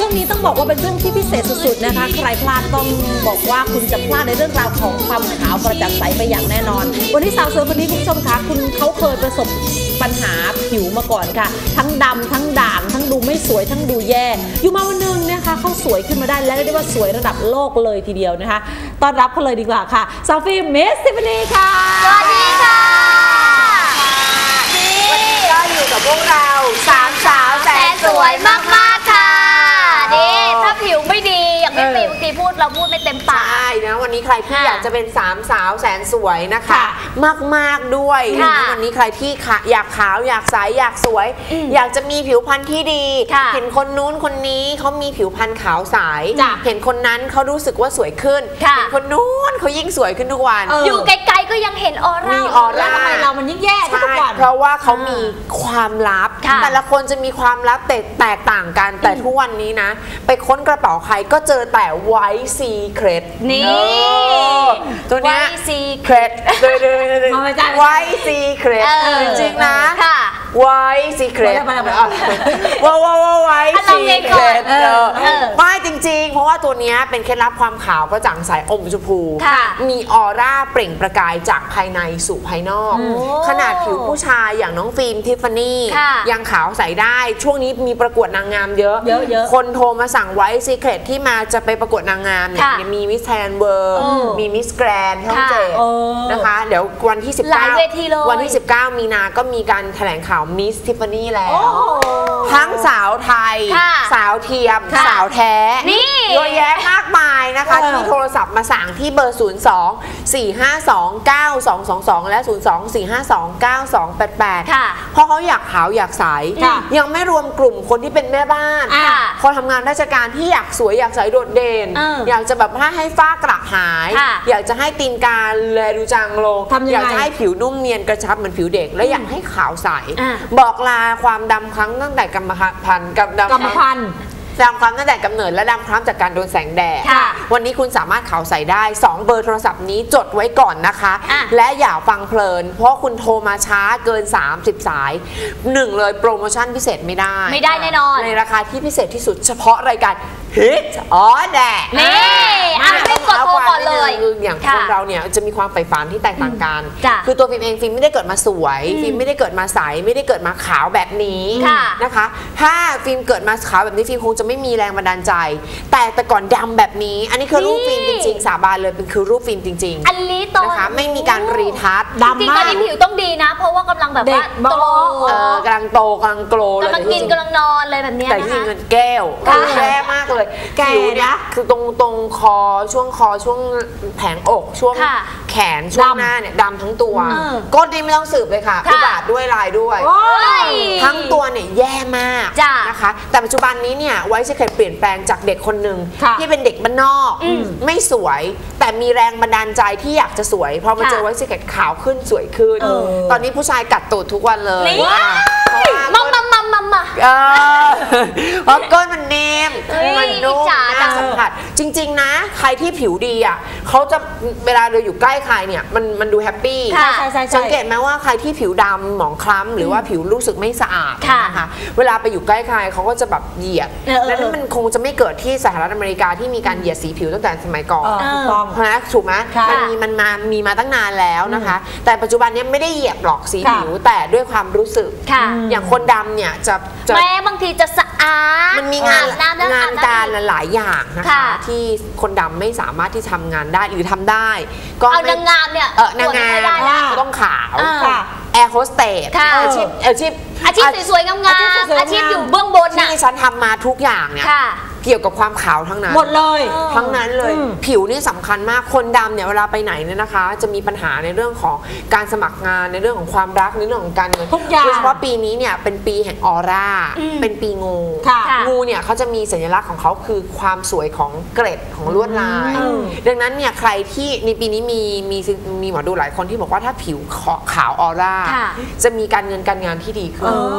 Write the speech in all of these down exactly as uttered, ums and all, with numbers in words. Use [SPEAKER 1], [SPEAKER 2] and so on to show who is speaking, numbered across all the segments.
[SPEAKER 1] งนี้ต้องบอกว่าเป็นช่วงที่พิเศษสุดๆนะคะใครพลาดต้องบอกว่าคุณจะพลาดในเรื่องราวของความขาวกระจ่างใสไปอย่างแน่นอนวันนี้สาวสวยคนนี้คุณผู้ชมคะคุณเขาเคยประสบปัญหาผิวมาก่อนค่ะทั้งดำทั้งด่างทั้งดูไม่สวยทั้งดูแย่อยู่มาวันนึงนะคะเขาสวยขึ้นมาได้และเรียกได้ว่าสวยระดับโลกเลยทีเดียวนะคะต้อนรับเขาเลยดีกว่าค่ะซาฟีมิสซิฟานีค่ะ
[SPEAKER 2] สวัสดีค่ะ
[SPEAKER 3] วันนี้ก็อยู่กับพวกเราสามสาวแสนสวยมากๆค่ะ
[SPEAKER 2] นี่ถ้าผิวไม่ดีอย่างที่ปีบางทีพูดเราพูดไม่เต็มปาก
[SPEAKER 3] ใช่นะวันนี้ใครที่อยากจะเป็นสามสาวแสนสวยนะคะมากๆด้วยนะวันนี้ใครที่อยากขาวอยากใสอยากสวยอยากจะมีผิวพรรณที่ดีเห็นคนนู้นคนนี้เขามีผิวพรรณขาวใสเห็นคนนั้นเขารู้สึกว่าสวยขึ้นเห็นคนนู้นเขายิ่งสวยขึ้นทุกวัน
[SPEAKER 2] อยู่ไกลๆก็ยังเห็นออร่า
[SPEAKER 3] มีออร่า
[SPEAKER 1] ทำไมเรามันยิ่งแย่ทุกวัน
[SPEAKER 3] เพราะว่าเขามีความลับแต่ละคนจะมีความลับแตกต่างกันแต่ทุกวันนี้นะไปค้นกระเป๋าใครก็เจอแต่ไวท์ซีเครต
[SPEAKER 2] นี่
[SPEAKER 3] ตัวเนี้ย
[SPEAKER 2] White
[SPEAKER 3] Secret ไวท์ซีเครตจริงๆนะไวท์ซีเครตว้าวว้าวไวท์ซีเครตไม่จริงๆเพราะว่าตัวนี้เป็นเคล็ดลับความขาวกระจ่างใสอมชมพูมีออร่าเปล่งประกายจากภายในสู่ภายนอกขนาดผิวผู้ชายอย่างน้องฟิล์มทิฟฟานี่ยังขาวใสได้ช่วงนี้มีประกวดนางงามเยอะคนโทรมาสั่งไวท์ซีเครตที่มาจะไปประกวดนางงามเนี่ยมีมิสแทนเวิร์มีมิสแกรนด์ช่องเจ็ดนะคะเดี๋ยววันที่สิบเก้าวันที่สิบเก้ามีนาก็มีการแถลงข่าวมิสทิฟฟานี่แล้วทั้งสาวไทยสาวเทียมสาวแท้เยอะแยะมากมายนะคะที่โทรศัพท์มาสั่งที่เบอร์ศูนย์ สอง สี่ ห้า สอง เก้า สอง สอง สองและศูนย์ สอง สี่ ห้า สอง เก้า สอง แปด แปดเพราะเขาอยากขาวอยากใสยังไม่รวมกลุ่มคนที่เป็นแม่บ้านคนทำงานราชการที่อยากสวยอยากใสโดดเด่นอยากจะแบบถ้าให้ฝ้ากระหายอยากจะให้ตีนกาแลดูจางลงอยากจะให้ผิวนุ่มเนียนกระชับเหมือนผิวเด็กและอยากให้ขาวใสบอกลาความดำครั้งตั้งแต่กรรมพันธุ์กับดำ
[SPEAKER 1] กรรมพันธุ์
[SPEAKER 3] ดำคล้ำตั้งแต่กำเนิดและดำคล้ำจากการโดนแสงแดดวันนี้คุณสามารถขาวใสได้สองเบอร์โทรศัพท์นี้จดไว้ก่อนนะคะและอย่าฟังเพลินเพราะคุณโทรมาช้าเกินสามสิบสายหนึ่งเลยโปรโมชั่นพิเศษไม่ได้
[SPEAKER 2] ไม่ได้แน่นอน
[SPEAKER 3] ในราคาที่พิเศษที่สุดเฉพาะรายการฮิตอ๋อแดด
[SPEAKER 2] นี่อ่ะไม่กดโทรก่อนเลย
[SPEAKER 3] อย่างคนเราเนี่ยจะมีความใฝ่ฝันที่แตกต่างกันคือตัวฟิล์มเองฟิล์มไม่ได้เกิดมาสวยฟิล์มไม่ได้เกิดมาใสไม่ได้เกิดมาขาวแบบนี้นะคะถ้าฟิล์มเกิดมาขาวแบบนี้ฟิล์มคงจะไม่มีแรงบันดาลใจแต่แต่ก่อนดำแบบนี้อันนี้คือรูปฟิล์มจริงๆสาบานเลยเป็นคือรูปฟิล์มจริงๆ
[SPEAKER 2] อันนี้ตอน
[SPEAKER 3] นะคะไม่มีการรีทัช
[SPEAKER 2] ดำมากจริงๆตอนนี้ผิวต้องดีนะเพราะว่ากำลังแบบว่าโต
[SPEAKER 3] กำลังโตกำลังโกลเลย
[SPEAKER 2] กำลังกินกำลังนอนเลยแบบนี้นะคะ
[SPEAKER 3] แต่ที่เงินแก้วแย่มากเลยผิวเนี่ยคือตรงตรงคอช่วงคอช่วงแผงอกช่วงแขนช่วงหน้าเนี่ยดำทั้งตัวก้นนี่ไม่ต้องสืบเลยค่ะคือบาดด้วยลายด้วยทั้งตัวเนี่ยแย่มากนะคะแต่ปัจจุบันนี้เนี่ยไวท์ซีเครตเปลี่ยนแปลงจากเด็กคนหนึ่งที่เป็นเด็กบ้านนอกไม่สวยแต่มีแรงบันดาลใจที่อยากจะสวยพอมาเจอไวท์ซีเครตขาวขึ้นสวยขึ้นตอนนี้ผู้ชายกัดตูดทุกวันเลย
[SPEAKER 2] มัมมัมมัมมัมมา
[SPEAKER 3] เพราะก้นมันเนมมันนุ่มน่าสัมผัสจริงๆนะใครที่ผิวดีอ่ะเขาจะเวลาเราอยู่ใกล้ใครเนี่ยมันมันดูแฮปปี้สังเกตไหมว่าใครที่ผิวดำหมองคล้ำหรือว่าผิวรู้สึกไม่สะอาดนะคะเวลาไปอยู่ใกล้ใครเขาก็จะแบบเหยียดแล้วนั่นมันคงจะไม่เกิดที่สหรัฐอเมริกาที่มีการเหยียดสีผิวตั้งแต่สมัยก่อนนะถูกไหมมันมีมันมามีมาตั้งนานแล้วนะคะแต่ปัจจุบันนี้ไม่ได้เหยียดหรอกสีผิวแต่ด้วยความรู้สึกอย่างคนดำเนี่ยจะ
[SPEAKER 2] แม้บางทีจะสะอาด
[SPEAKER 3] มันมีงานงานการหลายอย่างนะคะที่คนดำไม่สามารถที่ทำงานได้หรือทำได้
[SPEAKER 2] ก็เอานางงามเนี่ย
[SPEAKER 3] เออนางงามต้องขาวแอร์โฮสเตสอาชีพอาชีพ
[SPEAKER 2] อาชีพสวยๆงามๆอาชีพอยู่เบื้องบน
[SPEAKER 3] ที่ฉันทำมาทุกอย่างเนี่ยเกี่ยวกับความขาวทั้งนั้น
[SPEAKER 1] หมดเลย
[SPEAKER 3] ทั้งนั้นเลยผิวนี่สำคัญมากคนดำเนี่ยเวลาไปไหนเนี่ยนะคะจะมีปัญหาในเรื่องของการสมัครงานในเรื่องของความรักในเรื่องของการเงิน
[SPEAKER 1] ทุกอย่าง
[SPEAKER 3] โดยเฉพาะปีนี้เนี่ยเป็นปีแห่งออร่าเป็นปีงูงูเนี่ยเขาจะมีสัญลักษณ์ของเขาคือความสวยของเกร็ดของลวดลายดังนั้นเนี่ยใครที่ในปีนี้มีมีมีหมอดูหลายคนที่บอกว่าถ้าผิวขาวออร่าจะมีการเงินการงานที่ดีขึ้น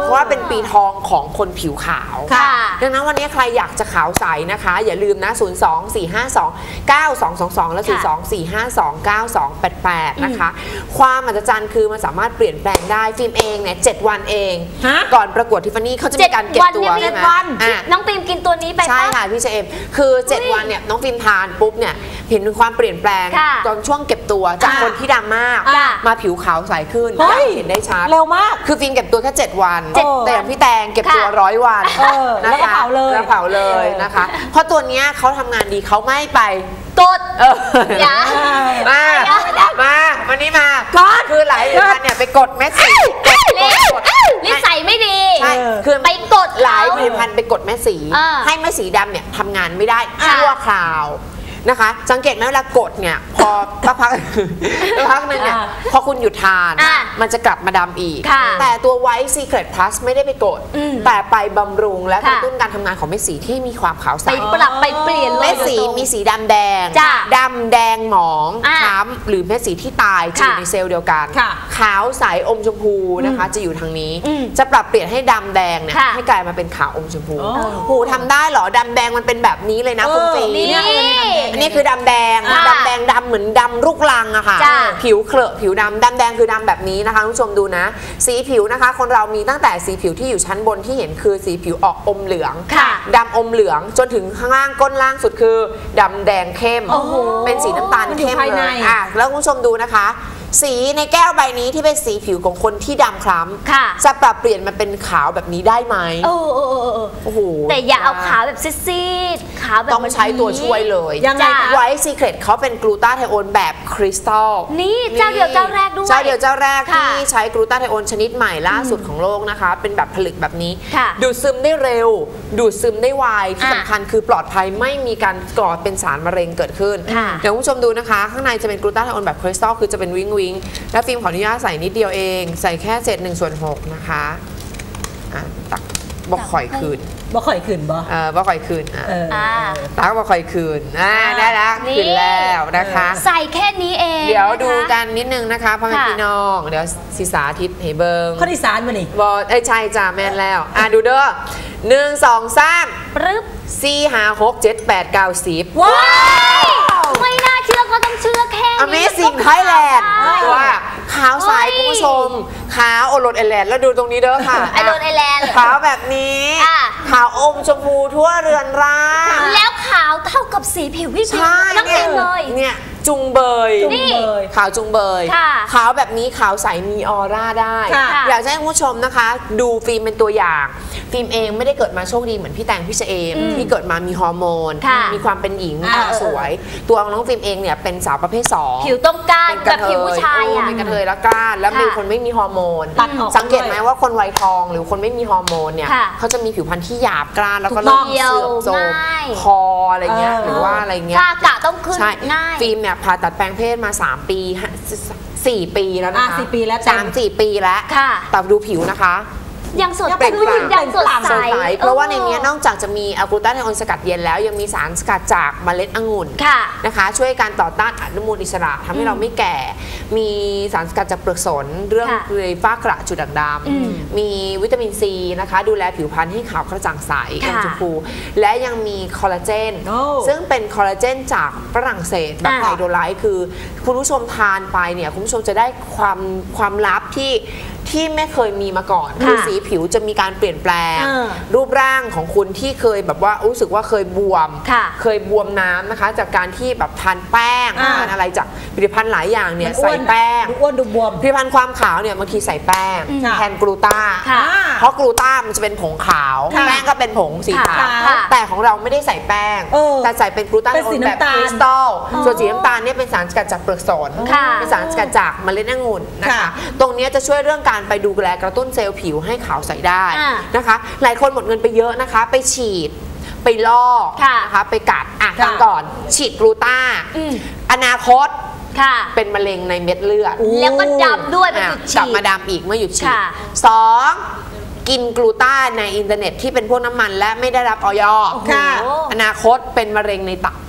[SPEAKER 3] เพราะว่าเป็นปีทองของคนผิวขาวดังนั้นวันนี้ใครอยากจะขาวใสนะคะอย่าลืมนะศูนย์ สอง สี่ ห้า สอง เก้า สอง สอง สองและศูนย์ สอง สี่ ห้า สอง เก้า สอง แปด แปดนะคะความมหัศจรรย์คือมันสามารถเปลี่ยนแปลงได้ฟิล์มเองเนี่ยเจ็ดวันเองก่อนประกวดทิฟฟานี่เขาจะมีการเก็บตัวใช่ไหม
[SPEAKER 2] น้องฟิล์มกินตัวนี้ไป
[SPEAKER 3] ใช่ค่ะพี่เจมคือเจ็ดวันเนี่ยน้องฟิล์มทานปุ๊บเนี่ยเห็นความเปลี่ยนแปลงตอนช่วงเก็บตัวจากคนที่ดำมากมาผิวขาวใสขึ้นเห็นได้ชัด
[SPEAKER 1] เร็วมาก
[SPEAKER 3] คือฟิล์มเก็บตัวแค่เจ็ดวันแต่อย่างพี่แตงเก็บตัวร้อยวัน
[SPEAKER 1] แล้วก็เผาเลย
[SPEAKER 3] แล้วเผาเลยนะคะเพราะตัวเนี้ยเขาทำงานดีเขาไม่ไป
[SPEAKER 2] กดอย่า
[SPEAKER 3] มามาวันนี้มาคือหลายวันเนี่ยไปกดเม็ดสี
[SPEAKER 2] นิสัยไม่ดี
[SPEAKER 3] ใช่คือ
[SPEAKER 2] ไปกด
[SPEAKER 3] หลายผลิตภัณฑ์ไปกดแม่สีให้แม่สีดำเนี่ยทำงานไม่ได้ชั่วคราวนะคะสังเกตไหมเวลากดเนี่ยพอพักพักพักนึงเนี่ยพอคุณหยุดทานมันจะกลับมาดำอีกแต่ตัว White Secret Plus ไม่ได้ไปกดแต่ไปบำรุงและกระตุ้นการทำงานของเม็ดสีที่มีความขาวใส
[SPEAKER 2] ไปปรับไปเปลี่ยน
[SPEAKER 3] เม็ดสีมีสีดำแดงดำแดงหมองค้ำหรือเม็ดสีที่ตายจะอยู่ในเซลล์เดียวกันขาวใสอมชมพูนะคะจะอยู่ทางนี้จะปรับเปลี่ยนให้ดำแดงเนี่ยให้กลายมาเป็นขาวอมชมพูหูทำได้เหรอดำแดงมันเป็นแบบนี้เลยนะคุณฟีอันนี้คือดำแดงดำแดงดำเหมือนดำลูกลังอะค่ะผิวเคลอะผิวดำดำแดงคือดำแบบนี้นะคะคุณผู้ชมดูนะสีผิวนะคะคนเรามีตั้งแต่สีผิวที่อยู่ชั้นบนที่เห็นคือสีผิวออกอมเหลืองดำอมเหลืองจนถึงข้างล่างก้นล่างสุดคือดำแดงเข้มเป็นสีน้ำตาลเข้มเลยอ่ะแล้วคุณผู้ชมดูนะคะสีในแก้วใบนี้ที่เป็นสีผิวของคนที่ดำคล้ำจะปรับเปลี่ยนมาเป็นขาวแบบนี้ได้ไหม
[SPEAKER 2] โอ้โหแต่อย่าเอาขาวแบบซีดๆขาวแบบ
[SPEAKER 3] ต้องใช้ตัวช่วยเลย
[SPEAKER 2] ยังไง
[SPEAKER 3] ไวท์ซีเครตเขาเป็นกลูตาไทโอนแบบคริสตัล
[SPEAKER 2] นี่เจ้าเดียวเจ้าแรกด้วย
[SPEAKER 3] เจ้าเดียวเจ้าแรกที่ใช้กลูตาไทโอนชนิดใหม่ล่าสุดของโลกนะคะเป็นแบบผลึกแบบนี้ดูดซึมได้เร็วดูดซึมได้ไวที่สำคัญคือปลอดภัยไม่มีการก่อเป็นสารมะเร็งเกิดขึ้นเดี๋ยวคุณผู้ชมดูนะคะข้างในจะเป็นกลูตาไทโอนแบบคริสตัลคือจะเป็นวิงวิงและฟิล์มขออนุญาตใส่นิดเดียวเองใส่แค่เศษหนึ่งส่วนหกนะคะอ่ะตักบอกข่อยคืน
[SPEAKER 1] บอกข่อยคืนบ่
[SPEAKER 3] เออบอกข่อยคืนอ่ะตักบอกข่อยคืนอ่าได้แล้วคืนแล้วนะคะ
[SPEAKER 2] ใส่แค่นี้เอง
[SPEAKER 3] เดี๋ยวดูกันนิดนึงนะคะพ่อแม่พี่น้องเดี๋ยวศิษาทิศเฮเบิง
[SPEAKER 1] ข้อที่สามมานี่
[SPEAKER 3] บอเอ้ยใช่จ้าแม่นแล้วอ่ะดูเด้อหนึ่งสองสาม
[SPEAKER 2] ปึ๊บ
[SPEAKER 3] สี่ห้าหกเจ็ดแปดเก้าสิบ
[SPEAKER 2] ว้าวไม่น่าเชื่อก็ต้องเชื่อแค่นี้
[SPEAKER 3] Amazing Thailand ว่าขาวใสคุณผู้ชมขาวโอรสไอแลนด์แล้วดูตรงนี้เด้อค่ะ
[SPEAKER 2] ไอโรสไอแลนด์
[SPEAKER 3] ขาวแบบนี้ขาวอมชมพูทั่วเรือนร่าง
[SPEAKER 2] แล้วขาวเท่ากับสีผิวพี่ฟิล์มทั้งเองเลย
[SPEAKER 3] เนี่ยจุงเบยขาวจุงเบยขาวแบบนี้ขาวใสมีออร่าได้อยากให้คุณผู้ชมนะคะดูฟิล์มเป็นตัวอย่างฟิล์มเองไม่ได้เกิดมาโชคดีเหมือนพี่แตงพี่เจเอมที่เกิดมามีฮอร์โมนมีความเป็นหญิงสวยตัวน้องฟิล์มเองเนี่ยเป็นสาวประเภทสอง
[SPEAKER 2] ผิวต้องการแบบผิวผู้ชาย
[SPEAKER 3] เป็นกระเทยแล้วก้านแล้วมีคนไม่มีฮอร์โมนสังเกตไหมว่าคนวัยทองหรือคนไม่มีฮอร์โมนเนี่ยเขาจะมีผิวพรรณที่หยาบกร้านแล้วก็เริ่มเสื่อมโทรมคออะไรเงี้ยหรือว่าอะไรเงี้ย
[SPEAKER 2] กะต้องขึ้นง่าย
[SPEAKER 3] ฟิล์มเนี่ยผ่าตัดแปลงเพศมาสามปีสี่ปีแล้วนะคะ
[SPEAKER 1] สี่ปีแล้ว
[SPEAKER 3] สามสี่ปีแล้วแต่ดูผิวนะคะ
[SPEAKER 2] ยังสดเป็นยังสดใส
[SPEAKER 3] เพราะว่าในนี้นอกจากจะมีอะกลูตาไทโอนสกัดเย็นแล้วยังมีสารสกัดจากเมล็ดองุ่นนะคะช่วยการต่อต้านอนุมูลอิสระทำให้เราไม่แก่มีสารสกัดจากเปลือกสนเรื่องเลยฝ้ากระจุดด่างดำมีวิตามินซีนะคะดูแลผิวพรรณให้ขาวกระจ่างใสอมชมพูและยังมีคอลลาเจนซึ่งเป็นคอลลาเจนจากฝรั่งเศสแบบไฮโดรไลท์คือคุณผู้ชมทานไปเนี่ยคุณผู้ชมจะได้ความความลับที่ที่ไม่เคยมีมาก่อนคือสีผิวจะมีการเปลี่ยนแปลงรูปร่างของคุณที่เคยแบบว่ารู้สึกว่าเคยบวมเคยบวมน้ำนะคะจากการที่แบบทานแป้งทานอะไรจากผลิตภัณฑ์หลายอย่างเนี่ยใส่แป้ง
[SPEAKER 1] อ้วนดูบวม
[SPEAKER 3] ผลิตภัณฑ์ความขาวเนี่ยบางทีใส่แป้งแทนกลูต้าเพราะกลูต้ามันจะเป็นผงขาวแป้งก็เป็นผงสีขาวแต่ของเราไม่ได้ใส่แป้งแต่ใส่เป็นกลูต้าแบบคริสตัลส่วนสีน้ำตาลเนี่ยเป็นสารสกัดจากเปลือกสนเป็นสารสกัดจากเมล็ดองุ่นนะคะตรงนี้จะช่วยเรื่องการไปดูแลกระตุ้นเซลล์ผิวให้ขาวใสได้นะคะหลายคนหมดเงินไปเยอะนะคะไปฉีดไปลอกนะคะไปกัดอ่ะฟังก่อนฉีดกลูต้าอนาคตเป็นมะเร็งในเม็ดเลือด
[SPEAKER 2] แล้วก็ดำด้วยเป็นจุดฉีด
[SPEAKER 3] กลับมาดำอีกเมื่อหยุดฉีดสองกินกลูต้าในอินเทอร์เน็ตที่เป็นพวกน้ำมันและไม่ได้รับออยอนาคตเป็นมะเร็งในตับ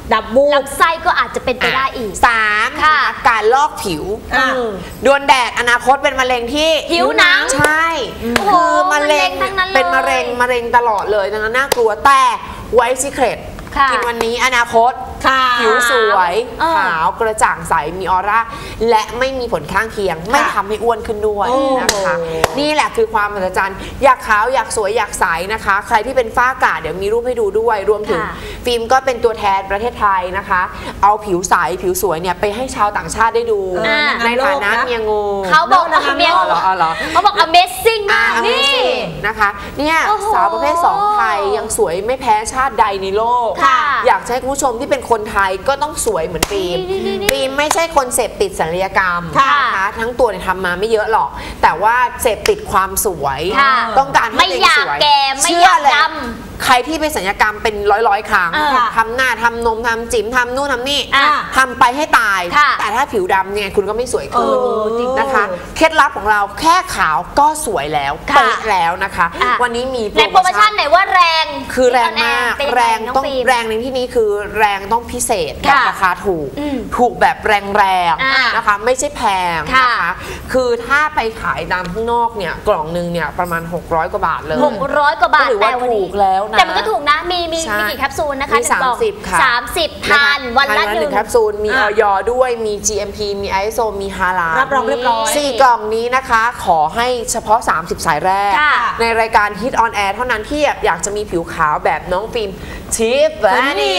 [SPEAKER 1] ดับบูบ
[SPEAKER 2] ลำไส้ก็อาจจะเป็นไปได้อีก
[SPEAKER 3] สามการลอกผิวโดนแดดอนาคตเป็นมะเร็งที่
[SPEAKER 2] ผิวหนัง
[SPEAKER 3] ใช่คือมะเร็งเป็นมะเร็งมะเร็งตลอดเลยดังนั้นน่ากลัวแต่ไวท์ซีเคร็ตกินวันนี้อนาคตผิวสวยขาวกระจ่างใสมีออร่าและไม่มีผลข้างเคียงไม่ทำให้อ้วนขึ้นด้วยนะคะนี่แหละคือความมหัศจรรย์อยากขาวอยากสวยอยากใสนะคะใครที่เป็นฝ้ากระเดี๋ยวมีรูปให้ดูด้วยรวมถึงฟิล์มก็เป็นตัวแทนประเทศไทยนะคะเอาผิวใสผิวสวยเนี่ยไปให้ชาวต่างชาติได้ดูในฐานะเมียงู
[SPEAKER 2] เขาบอกเมียงูเขาบอก Amazing มากนี่
[SPEAKER 3] นะคะเนี่ยสาวประเภทสองไทยยังสวยไม่แพ้ชาติใดในโลกอยากให้คุณผู้ชมที่เป็นคนไทยก็ต้องสวยเหมือนฟิล์มฟิล์มไม่ใช่คนเสพติดศัลยกรรมนะคะทั้งตัวเนี่ยทำมาไม่เยอะหรอกแต่ว่าเสพติดความสวยต้องการให้ตัวเองสวยเชื่อเลยใครที่ไปศัลยกรรมเป็นร้อยร้อยครั้งทำหน้าทำนมทำจิ๋มทำนู่นทำนี่ทำไปให้ตายแต่ถ้าผิวดำเนี่ยคุณก็ไม่สวยขึ้นนะคะเคล็ดลับของเราแค่ขาวก็สวยแล้วเป๊ะแล้วนะคะวันนี้มี
[SPEAKER 2] โปรโมชั่นไหนว่าแรง
[SPEAKER 3] คือแรงมากแรงต้องแรงในที่นี้คือแรงต้องพิเศษแบบราคาถูกถูกแบบแรงๆนะคะไม่ใช่แพงนะคะคือถ้าไปขายตามข้างนอกเนี่ยกล่องนึงเนี่ยประมาณหกร้อยกว่าบาทเลย
[SPEAKER 2] หกร้อยกว่าบาท
[SPEAKER 3] แต่วันนี้แล้ว
[SPEAKER 2] แต่มันก็ถูกนะมีมีมีกี่แคปซูลนะคะ
[SPEAKER 3] สามสิบค่ะ
[SPEAKER 2] สามสิบทานวันละหนึ่ง
[SPEAKER 3] แคปซูลมีออยด้วยมี จี เอ็ม พี มี ไอ เอส โอ มีฮาลาล
[SPEAKER 1] รับรองเรียบร้อย
[SPEAKER 3] สี่กล่องนี้นะคะขอให้เฉพาะสามสิบสายแรกในรายการ Hit on Air เท่านั้นที่อยากจะมีผิวขาวแบบน้องฟิล์ม Tiffany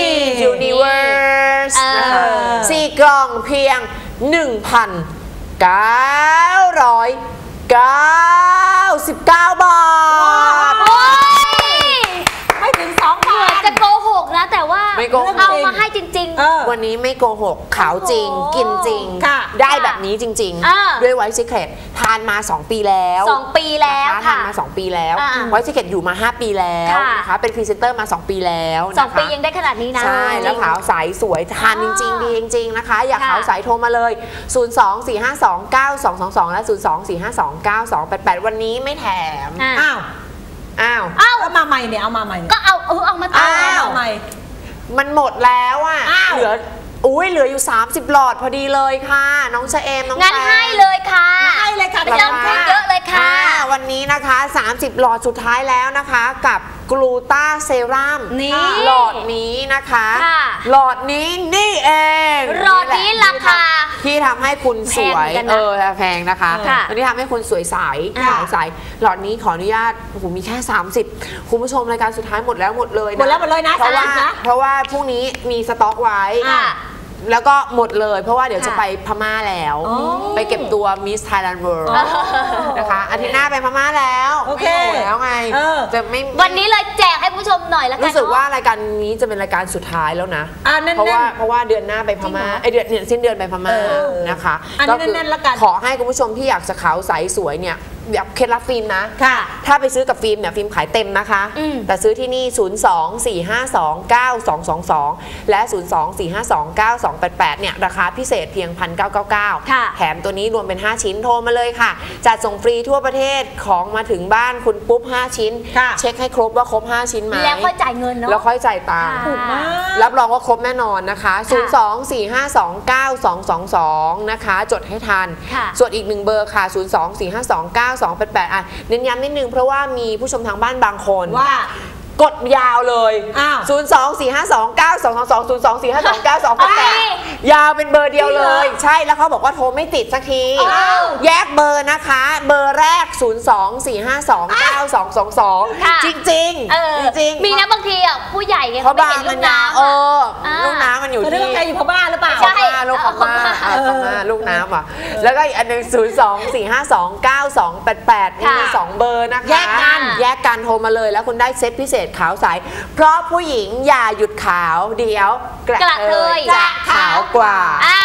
[SPEAKER 3] Universe นะคะสี่กล่องเพียง หนึ่งพันเก้าร้อยเก้าสิบเก้า บาท
[SPEAKER 1] ไม่ถึงสองพัน
[SPEAKER 2] จะโกหกนะแต่ว่าเอามาให้จริง
[SPEAKER 3] ๆวันนี้ไม่โกหกขาวจริงกินจริงได้แบบนี้จริงๆด้วยไวท์ซีเคร็ตทานมาสองปีแล้ว
[SPEAKER 2] สองปีแล้ว
[SPEAKER 3] ทานมาสองปีแล้วไวท์ซีเคร็ตอยู่มาห้าปีแล้วนะคะเป็นพรีเซนเตอร์มาสองปีแล้ว
[SPEAKER 2] สองปียังได้ขนาดนี้นะ
[SPEAKER 3] ใช่แล้วขาวใสสวยทานจริงๆดีจริงๆนะคะอยากขาวใสโทรมาเลยศูนย์ สอง สี่ ห้า สอง เก้า สอง สอง สองและศูนย์ สอง สี่ ห้า สอง เก้า สอง แปด แปดวันนี้ไม่แถม
[SPEAKER 1] อ้าว
[SPEAKER 3] อ้าว
[SPEAKER 1] เอามาใหม่เนี่ยเอามาใหม่
[SPEAKER 2] ก็เอาเออเอามาต่อ
[SPEAKER 1] เอาใหม่
[SPEAKER 3] มันหมดแล้วอ่ะเหลืออุ้ยเหลืออยู่สามสิบหลอดพอดีเลยค่ะน้องชะเอมน้อง
[SPEAKER 2] งั้นให้เลยค่ะ
[SPEAKER 1] ให้เลยค่ะ
[SPEAKER 2] ไม่ต้องพูดเยอะเลยค่ะ
[SPEAKER 3] วันนี้นะคะสามสิบหลอดสุดท้ายแล้วนะคะกับกลูตาเซรั่ม
[SPEAKER 2] นี่
[SPEAKER 3] หลอดนี้นะคะหลอดนี้นี่เอง
[SPEAKER 2] หลอดนี้ราคา
[SPEAKER 3] ที่ทำให้คุณสวยเออแพงนะคะอันนี้ทำให้คุณสวยใสขาวใสหลอดนี้ขออนุญาตโอ้โหมีแค่สามสิบคุณผู้ชมรายการสุดท้ายหมดแล้วหมดเลย
[SPEAKER 1] หมดแล้วหมดเลยนะ
[SPEAKER 3] เพราะว่าเพราะว่าพรุ่งนี้มีสต็อกไว้แล้วก็หมดเลยเพราะว่าเดี๋ยวจะไปพม่าแล้วไปเก็บตัว Miss Thailand World นะคะอาทิตย์หน้าไปพม่าแล้ว
[SPEAKER 1] โอเค
[SPEAKER 3] แล้วไงจะไม่
[SPEAKER 2] วันนี้เลยแจกให้ผู้ชมหน่อยแล้วกัน
[SPEAKER 3] รู้สึกว่ารายการนี้จะเป็นรายการสุดท้ายแล้วนะเพราะว่าเพราะว่าเดือนหน้าไปพม่าไอเดือนเนี่ยสิ้นเดือนไปพม่านะคะ
[SPEAKER 1] ก็คือ
[SPEAKER 3] ขอให้คุณผู้ชมที่อยากจะขาวใสสวยเนี่ยแบบเคล็ดลับฟิล์มนะถ้าไปซื้อกับฟิล์มเนี่ยฟิล์มขายเต็มนะคะแต่ซื้อที่นี่ ศูนย์ สอง สี่ ห้า สอง เก้า สอง สอง สอง และ ศูนย์ สอง สี่ ห้า สอง เก้า สอง แปด แปด เนี่ยราคาพิเศษเพียง หนึ่งพันเก้าร้อยเก้าสิบเก้า แถมตัวนี้รวมเป็นห้าชิ้นโทรมาเลยค่ะจัดส่งฟรีทั่วประเทศของมาถึงบ้านคุณปุ๊บห้าชิ้นเช็คให้ครบว่าครบห้าชิ้นไหม
[SPEAKER 2] แล้วค่อยจ่ายเงินเนาะ
[SPEAKER 3] แล้วค่อยจ่ายตังค์รับรองว่าครบแน่นอนนะคะ ศูนย์ สอง สี่ ห้า สอง เก้า สอง สอง สอง นะคะจดให้ทันส่วนอีกหนึ่งเบอร์ค่ะ ศูนย์ สอง สี่ ห้า สอง เก้า สอง แปด แปด อ่ะเน้นย้ำนิดนึงเพราะว่ามีผู้ชมทางบ้านบางคน
[SPEAKER 1] ว่
[SPEAKER 3] ากดยาวเลยศูนย์ สอง สี่ ห้า สอง เก้า สอง สอง สอง ศูนย์ สอง สี่ ห้า สอง เก้า สอง แปด แปด ยาวเป็นเบอร์เดียวเลยใช่แล้วเขาบอกว่าโทรไม่ติดสักทีแยกเบอร์นะคะเบอร์แรก ศูนย์ สอง สี่ ห้า สอง เก้า สอง สอง สอง จริงจริงจริง
[SPEAKER 2] มีนะบางทีอ่ะผู้ใหญ่เนี่ยเขาไม่เห็นลูกน้ำ
[SPEAKER 3] เออลูกน้ำมันอยู่ที่
[SPEAKER 1] ใครอยู่พม่าหรือเปล่า
[SPEAKER 3] ใช่ลูกพม่าพม่าลูกน้ำอ่ะแล้วก็อีกอันหนึ่ง ศูนย์ สอง สี่ ห้า สอง เก้า สอง แปด แปด มีสองเบอร์นะคะ
[SPEAKER 1] แยกกัน
[SPEAKER 3] แยกกันโทรมาเลยแล้วคุณได้เซตพิเศษขาวใสเพราะผู้หญิงอย่าหยุดขาวเดี๋ยวกระเทยจะขาวกว่า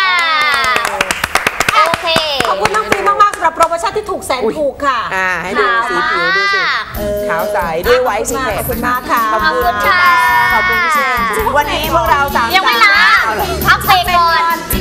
[SPEAKER 2] โอเค
[SPEAKER 1] ขอบคุณน้องฟิล์มมากๆสำหรับโปรโมชั่นที่ถูกแสนถูกค่ะ
[SPEAKER 3] อ่าให้ดูสีผิวดูสิขาวใสด้วยไวท์ซีเคร็ต
[SPEAKER 1] ขอบคุณมากค่ะ
[SPEAKER 2] ขอบคุณค่ะ
[SPEAKER 3] ขอบคุณพี่เชนวันนี้พวกเราสาม
[SPEAKER 2] ยังไม่ลาพักเบรกก่อน